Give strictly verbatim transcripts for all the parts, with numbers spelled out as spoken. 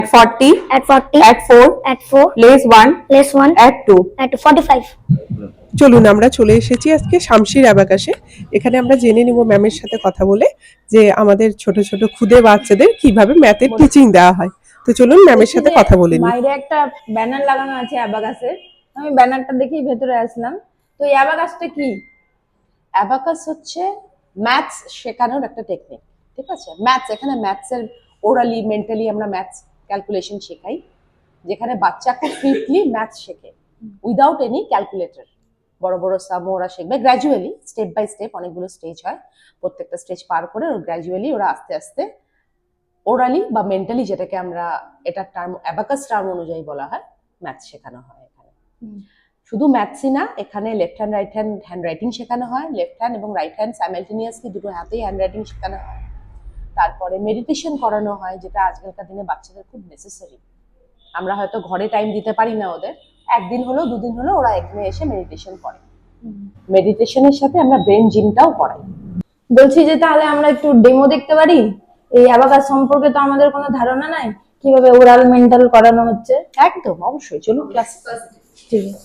at forty, at forty, at four, at four, place one, place one, at two. at forty-five. চলুন আমরা চলে এসেছি আজকে শামশির অ্যাবাকাসে। এখানে আমরা জেনে নিব ম্যামের সাথে কথা বলে যে আমাদের ছোট ছোট খুদে বাচ্চাদের কিভাবে ম্যাথের টিচিং দেওয়া হয়। তো চলুন ম্যামের সাথে কথা বলে নিই। বাইরে একটা ব্যানার লাগানো আছে অ্যাবাকাসের, আমি ব্যানারটা দেখেই ভেতরে আসলাম। তো এই অ্যাবাকাসটা কি? অ্যাবাকাস হচ্ছে ম্যাথস শেখানোর একটা টেকনিক, ঠিক আছে? ম্যাথস, এখানে ম্যাথসের ওরালি মেন্টালি আমরা ম্যাথস ক্যালকুলেশন শেখাই, যেখানে বাচ্চা খুব সুইটলি ম্যাথস শেখে উইদাউট এনি ক্যালকুলেটর। বড় বড় সাম ওরা শিখবে গ্র্যাজুয়ালি, স্টেপ বাই স্টেপ, অনেকগুলো স্টেজ হয়, প্রত্যেকটা স্টেজ পার করে ওরা গ্র্যাজুয়ালি ওরা আস্তে আস্তে ওরালি বা মেন্টালি, যেটাকে আমরা এটা টার্ম অ্যাবাকাস টার্ম অনুযায়ী বলা হয়, ম্যাথস শেখানো হয় এখানে। শুধু ম্যাথসই না, এখানে left hand right hand handwriting শেখানো হয়, লেফট হ্যান্ড এবং রাইট হ্যান্ড সাইমালটেনিয়াসলি দুটো হাতেই হ্যান্ড রাইটিং শেখানো হয়। তারপরে মেডিটেশন করানো হয়, যেটা আজকালকার দিনে বাচ্চাদের খুব নেসেসারি। আমরা হয়তো ঘরে টাইম দিতে পারি না ওদের, একদিন হলো দুদিন হলো ওরা এখানে এসে মেডিটেশন করে। মেডিটেশনের সাথে আমরা ব্রেন জিমটাও করাই। বলছি যে তাহলে আমরা একটু ডেমো দেখতে পারি? এই অ্যাবাকাস সম্পর্কে তো আমাদের কোনো ধারণা নাই, কিভাবে ওরাল মেন্টাল করানো হচ্ছে। একদম, অবশ্যই, চলুন ক্লাস। ঠিক আছে।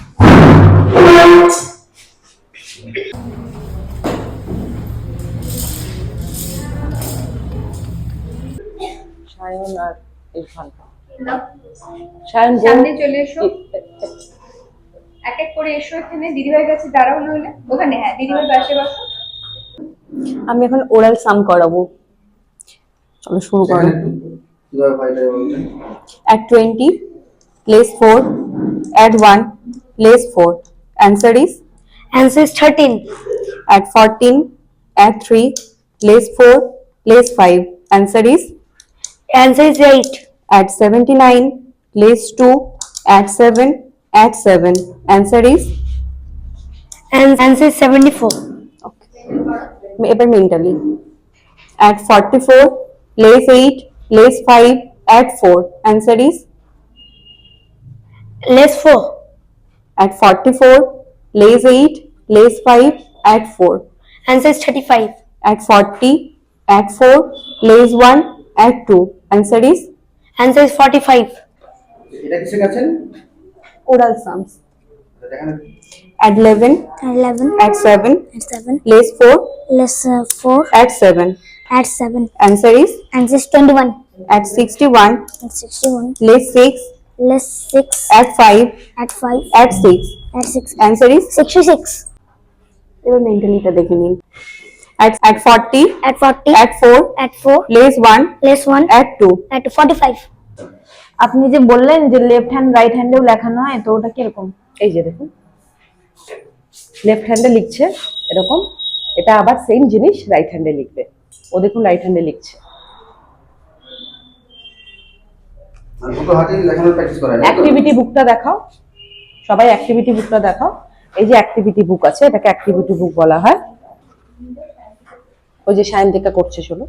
সায়ন আর ইরফান, সায়ন সামনে চলে এসো, এক এক করে এসো। এখানে দিদিভাইয়ের কাছে দাঁড়াও, নইলে ওখানে। হ্যাঁ, দিদিভাই পাশে বসো। আমি এখন ওরাল সাম করাবো। চলো শুরু করো। At twenty, place four, add one, place four. Answer is? Answer is thirteen. At fourteen, add three, place four, place five. Answer is? Answer is eight. At seventy-nine, place two, add seven, add seven. Answer is? And answer is seventy-four. এবার mentally. At forty-four, place eight, place five, add four. Answer is? Less four. At forty-four, place eight, place five, add four. Answer is thirty-five. At forty, add four, place one, add two. Answer is? Answer is forty-five. এটা কিসে গেছেন? Oral sums. দেখেন At eleven, Eleven. add seven, At seven. place four, Less uh, four. add seven. At seven. Answer is? Answer is twenty-one. At sixty-one, At sixty-one. place six, Less six. add five, At five. add six. At six. Answer is? Sixty-six. এবার মেন্টালিটা দেখে নিন। At at forty, At forty. add four, At four. place one, Less one. add two. At forty-five. আপনি যে বললেন যে left hand right হ্যান্ডেও লেখানো হয়, তো ওটা কিরকম? এই যে দেখুন, লেফট হ্যান্ডে লিখছে এরকম, এটা আবার সেম জিনিস রাইট হ্যান্ডে লিখবে। ও দেখুন রাইট হ্যান্ডে লিখছে। মানে দুটো হাতেই লেখানোর প্র্যাকটিস করা যায়। অ্যাক্টিভিটি বুকটা দেখাও সবাই, অ্যাক্টিভিটি বুকটা দেখাও। এই যে অ্যাক্টিভিটি বুক আছে, এটাকে অ্যাক্টিভিটি বুক বলা হয়। ওই যে সায়ন্তিকা করছে, শোনো,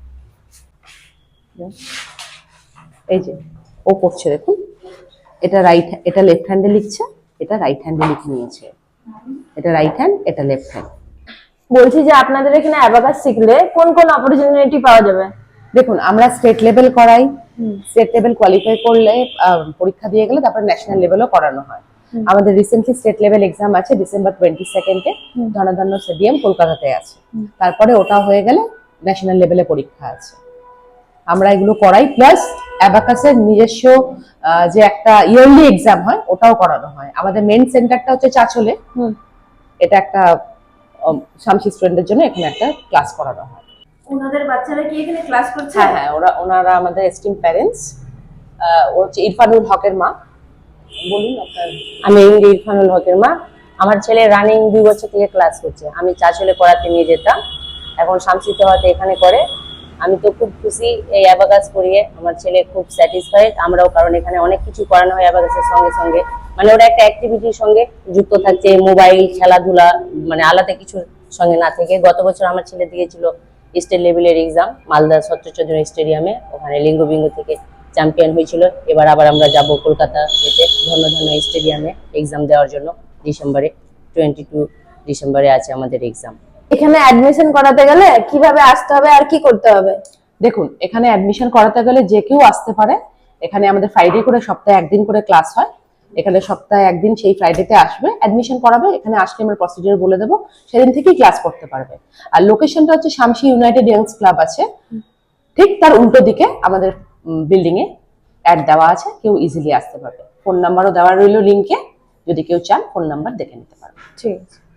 এই যে ও করছে, দেখুন এটা রাইট, এটা লেফট হ্যান্ডে লিখছে, এটা রাইট হ্যান্ডে লিখে নিয়েছে। এটা রাইট হ্যান্ড, এটা লেফট হ্যান্ড। বলছি যে আপনাদের এখানে অ্যাবাকাস শিখলে কোন কোন অপরচুনিটি পাওয়া যাবে? দেখুন, আমরা স্টেট লেভেল করাই, স্টেট লেভেল কোয়ালিফাই করলে পরীক্ষা দিয়ে গেলে তারপরে ন্যাশনাল লেভেলও করানো হয়। আমাদের রিসেন্টলি স্টেট লেভেল এক্সাম আছে ডিসেম্বর টোয়েন্টি সেকেন্ডে, ধনধান্য স্টেডিয়াম কলকাতাতে আছে। তারপরে ওটা হয়ে গেলে ন্যাশনাল লেভেলে পরীক্ষা আছে। আমরা এগুলো করাই, প্লাস অ্যাবাকাসের নিজস্ব যে একটা ইয়ারলি এক্সাম হয় ওটাও করানো হয়। আমাদের মেন সেন্টারটা হচ্ছে চাচলে, এটা একটা শামসি স্টুডেন্টদের জন্য এখানে একটা ক্লাস করানো হয়। ওনাদের বাচ্চারা কি এখানে ক্লাস করছে? হ্যাঁ হ্যাঁ, ওরা ওনারা আমাদের এস্টিম প্যারেন্টস। ও হচ্ছে ইরফানুল হকের মা। বলুন আপনার। আমি ইরফানুল হকের মা। আমার ছেলে রানিং দুই বছর থেকে ক্লাস করছে। আমি চাচলে পড়াতে নিয়ে যেতাম, এখন শামসিতে হতে এখানে করে। আমি তো খুব খুশি এই অ্যাবাকাস করিয়ে, আমার ছেলে খুব স্যাটিসফাইড। আমরাও, কারণ এখানে অনেক কিছু করানো হয় অ্যাবাকাসের সঙ্গে সঙ্গে, মানে ওরা একটা অ্যাক্টিভিটির সঙ্গে যুক্ত থাকছে, মোবাইল খেলাধুলা মানে আলাদা কিছুর সঙ্গে না থেকে। গত বছর আমার ছেলে দিয়েছিল স্টেট লেভেলের এক্সাম মালদা সত্যচন্দ্র স্টেডিয়ামে, ওখানে লিঙ্গবিঙ্গ থেকে চ্যাম্পিয়ন হয়েছিল। এবার আবার আমরা যাব কলকাতা যেতে ধন্যধন্য স্টেডিয়ামে এক্সাম দেওয়ার জন্য। ডিসেম্বরে টোয়েন্টি টু ডিসেম্বরে আছে আমাদের এক্সাম। এখানে অ্যাডমিশন করাতে গেলে কিভাবে আসতে হবে আর কি করতে হবে? দেখুন, এখানে অ্যাডমিশন করাতে গেলে যে কেউ আসতে পারে, এখানে আমাদের ফ্রাইডে করে সপ্তাহে একদিন করে ক্লাস হয়। এখানে সপ্তাহে একদিন সেই ফ্রাইডেতে আসবে, অ্যাডমিশন করাবে। এখানে আসলে আমরা প্রসিডিউর বলে দেবো, সেদিন থেকেই ক্লাস করতে পারবে। আর লোকেশনটা হচ্ছে শামসি ইউনাইটেড ইয়াংস ক্লাব আছে, ঠিক তার উল্টো দিকে আমাদের বিল্ডিং এ অ্যাড দেওয়া আছে, কেউ ইজিলি আসতে পারবে। ফোন নাম্বারও দেওয়া রইলো লিঙ্কে, যদি কেউ চান ফোন নাম্বার দেখে নিতে পারবে। ঠিক আছে।